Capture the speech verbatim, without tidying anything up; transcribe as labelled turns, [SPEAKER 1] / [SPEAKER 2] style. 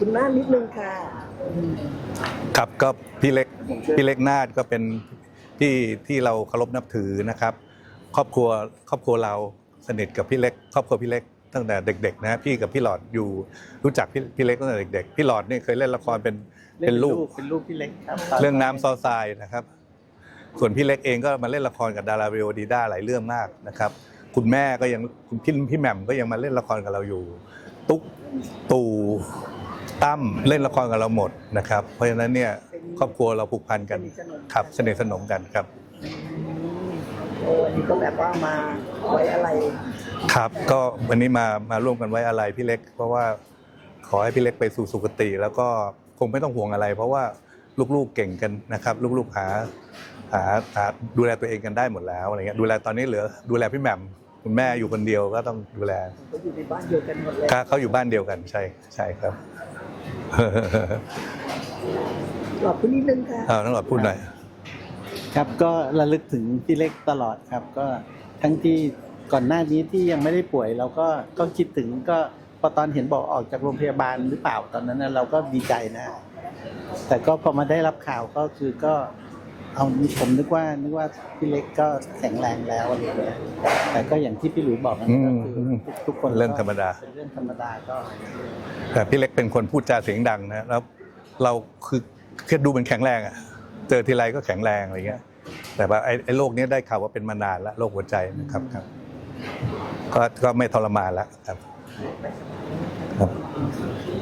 [SPEAKER 1] คุณน้านิดนึงค่ะ
[SPEAKER 2] ครับก็พี่เล็กพี่เล็กนาฏก็เป็นที่ที่เราเคารพนับถือนะครับครอบครัวครอบครัวเราสนิทกับพี่เล็กครอบครัวพี่เล็กตั้งแต่เด็กๆนะพี่กับพี่หลอดอยู่รู้จักพี่พี่เล็กตั้งแต่เด็กๆพี่หลอดนี่เคยเล่นละครเป็นเป็นลูก
[SPEAKER 3] เป็นลูกพี่เล็กครับ
[SPEAKER 2] เรื่องน้ำซอทรายนะครับส่วนพี่เล็กเองก็มาเล่นละครกับดาราวิโอดีด้าหลายเรื่องมากนะครับคุณแม่ก็ยังคุณพี่พี่แหม่มก็ยังมาเล่นละครกับเราอยู่ตุ๊กตู่ตั้มเล่นละครกับเราหมดนะครับเพราะฉะนั้นเนี่ยครอบครัวเราผูกพันกันครับสนิทสนมกันครับ
[SPEAKER 1] โอ้อันนี้ก็แบบว่ามาไว้อะไร
[SPEAKER 2] ครับก็วันนี้มามาร่วมกันไว้อะไรพี่เล็กเพราะว่าขอให้พี่เล็กไปสู่สุคติแล้วก็คงไม่ต้องห่วงอะไร เพราะว่าลูกๆเก่งกันนะครับลูกๆหาหาหาดูแลตัวเองกันได้หมดแล้วอะไรเงี้ยดูแลตอนนี้เหลือดูแลพี่แหม่มคุณแม่อยู่คนเดียวก็ต้องดูแล
[SPEAKER 1] เขาอยู่ในบ้านเดียวกันหมดเลย
[SPEAKER 2] เขาอยู่บ้านเดียวกันใช่ใช่ครับ
[SPEAKER 1] หลอดพูดนิดนึงค่ะ
[SPEAKER 2] เอาต้องหลอดพูดหน่อย
[SPEAKER 3] ครับก็ระลึกถึงพี่เล็กตลอดครับก็ทั้งที่ก่อนหน้านี้ที่ยังไม่ได้ป่วยเราก็ก็คิดถึงก็พอตอนเห็นบอกออกจากโรงพยาบาลหรือเปล่าตอนนั้นเราก็ดีใจนะแต่ก็พอมาได้รับข่าวก็คือก็เอาผมนึกว่านึกว่าพี่เล็กก็แข็งแรงแล้วอะไรอย่างเงี้ยแต่ก็อย่างที่พี่หลุยบอกนะก็คือทุกคน
[SPEAKER 2] เรื่องธรรมดา
[SPEAKER 3] เป็นเรื่องธรรมดาก็
[SPEAKER 2] แต่พี่เล็กเป็นคนพูดจาเสียงดังนะแล้วเราคือแค่ดูเป็นแข็งแรงอ่ะเจอทีไรก็แข็งแรงอะไรเงี้ยแต่ว่าไอ้ไอ้โรคนี้ได้ข่าวว่าเป็นมานานแล้วโรคหัวใจนะครับครับก็ก็ไม่ทรมานแล้วครับครับ